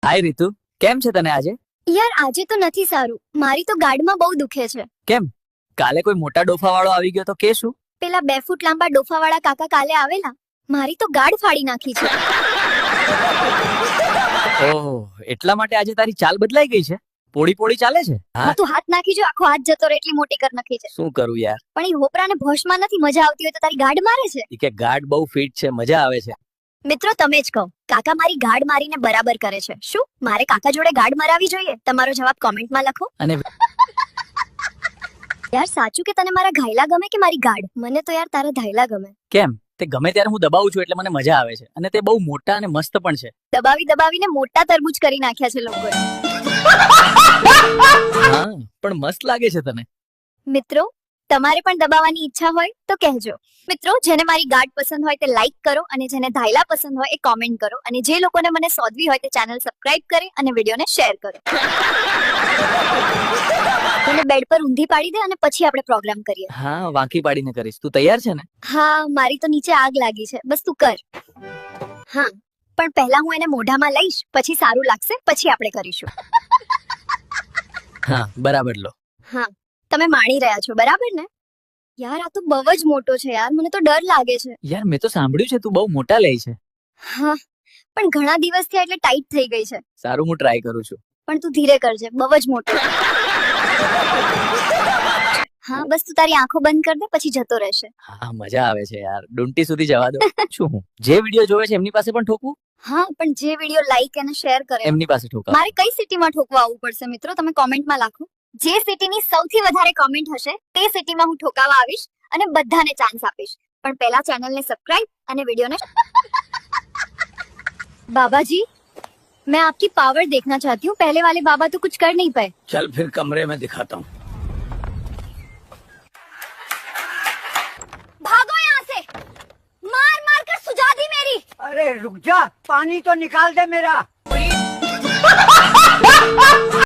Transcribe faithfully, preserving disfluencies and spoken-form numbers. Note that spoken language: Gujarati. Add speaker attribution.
Speaker 1: હાય રીતુ, કેમ છે તને આજે?
Speaker 2: યાર આજે તો નથી સારું. મારી તો ગાડમાં બહુ દુખે છે.
Speaker 1: કેમ? કાલે કોઈ મોટા ડોફા વાળો આવી ગયો તો કે શું?
Speaker 2: પેલા બે ફૂટ લાંબા ડોફાવાળા કાકા કાલે આવેલા. મારી તો ગાડ ફાડી નાખી છે.
Speaker 1: ઓહ, એટલા માટે આજે તારી ચાલ બદલાઈ ગઈ છે? પોડી પોડી ચાલે છે?
Speaker 2: હા, તું હાથ નાખી જો, આખો હાથ જતો રહે એટલી મોટી કર નાખી છે.
Speaker 1: શું કરું યાર?
Speaker 2: પણ ઈ હોપરાને ભોશમાં નથી મજા આવતી હોય તો તારી ગાડ મારે છે.
Speaker 1: ઈ કે ગાડ બહુ ફિટ છે, મજા આવે છે.
Speaker 2: મિત્રો તમે જ કહો, કાકા મારી ગાડ મારીને બરાબર કરે છે. શું મારે કાકા જોડે ગાડ મરાવી જોઈએ? તમારો જવાબ કોમેન્ટમાં લખો.
Speaker 1: અને
Speaker 2: યાર સાચું કે તને મારા ઘાયલા ગમે કે મારી ગાડ? મને તો યાર તારા ઘાયલા ગમે.
Speaker 1: કેમ? તે ગમે ત્યારે હું દબાવું છું એટલે મને મજા આવે છે, અને તે બહુ મોટા અને મસ્ત પણ છે.
Speaker 2: દબાવી દબાવીને મોટા તરબૂચ કરી નાખ્યા છે લોકોએ.
Speaker 1: હા, પણ મસ્ત લાગે છે તને.
Speaker 2: મિત્રો તમારે પણ દબાવવાની ઈચ્છા હોય તો કહેજો. મિત્રો જેને મારી ગાડ પસંદ હોય તે લાઈક કરો, અને જેને ધાયલા પસંદ હોય એ કોમેન્ટ કરો, અને જે લોકોને મને સોધવી હોય તે ચેનલ સબસ્ક્રાઇબ કરે અને વિડીયોને શેર કરો. તને બેડ પર ઊંધી પાડી દે અને પછી આપણે પ્રોગ્રામ કરીએ.
Speaker 1: હા, વાંકી પાડીને કરીશ. તું તૈયાર છે ને?
Speaker 2: હા, મારી તો નીચે આગ લાગી છે, બસ તું કર. હા, પણ પહેલા હું એને મોઢામાં લઈશ, પછી સારું લાગશે, પછી આપણે કરીશું.
Speaker 1: હા, બરાબર લો.
Speaker 2: હા, તમે માણી રહ્યા છો બરાબર ને? યાર આ તો બહુ જ મોટો છે યાર, મને તો ડર લાગે છે.
Speaker 1: યાર મેં તો સાંભળ્યું છે તું બહુ મોટા લે છે.
Speaker 2: હા, પણ ઘણા દિવસ થયા એટલે ટાઈટ થઈ ગઈ છે.
Speaker 1: સારું, હું ટ્રાય કરું છું.
Speaker 2: પણ તું ધીરે કરજે, બહુ જ મોટો. હા, બસ તું તારી આંખો બંધ કર દે, પછી જતો રહેશે.
Speaker 1: હા, મજા આવે છે યાર. ડુંટી સુધી જવા દો. શું હું જે વિડિયો જોવે છે એમની પાસે પણ ઠોકું?
Speaker 2: હા, પણ જે વિડિયો લાઈક અને શેર કરે
Speaker 1: એમની પાસે ઠોકા.
Speaker 2: મારે કઈ સિટીમાં ઠોકવા આવવું પડશે મિત્રો? તમે કોમેન્ટમાં લખો. જે સિટીની સૌથી વધારે કોમેન્ટ હશે તે સિટીમાં હું ઠોકાવા આવીશ અને બધાને ચાન્સ આપીશ. પણ પહેલા ચેનલને સબસ્ક્રાઇબ અને વિડિયોને बाबाजी मैं आपकी पावर देखना चाहती हूँ. पहले वाले बाबा तो कुछ कर नहीं पाए.
Speaker 3: चल फिर कमरे में दिखाता हूँ.
Speaker 2: भागो यहाँ से, मार मार कर सुझा दी मेरी.
Speaker 3: अरे रुक जा, पानी तो निकाल दे मेरा.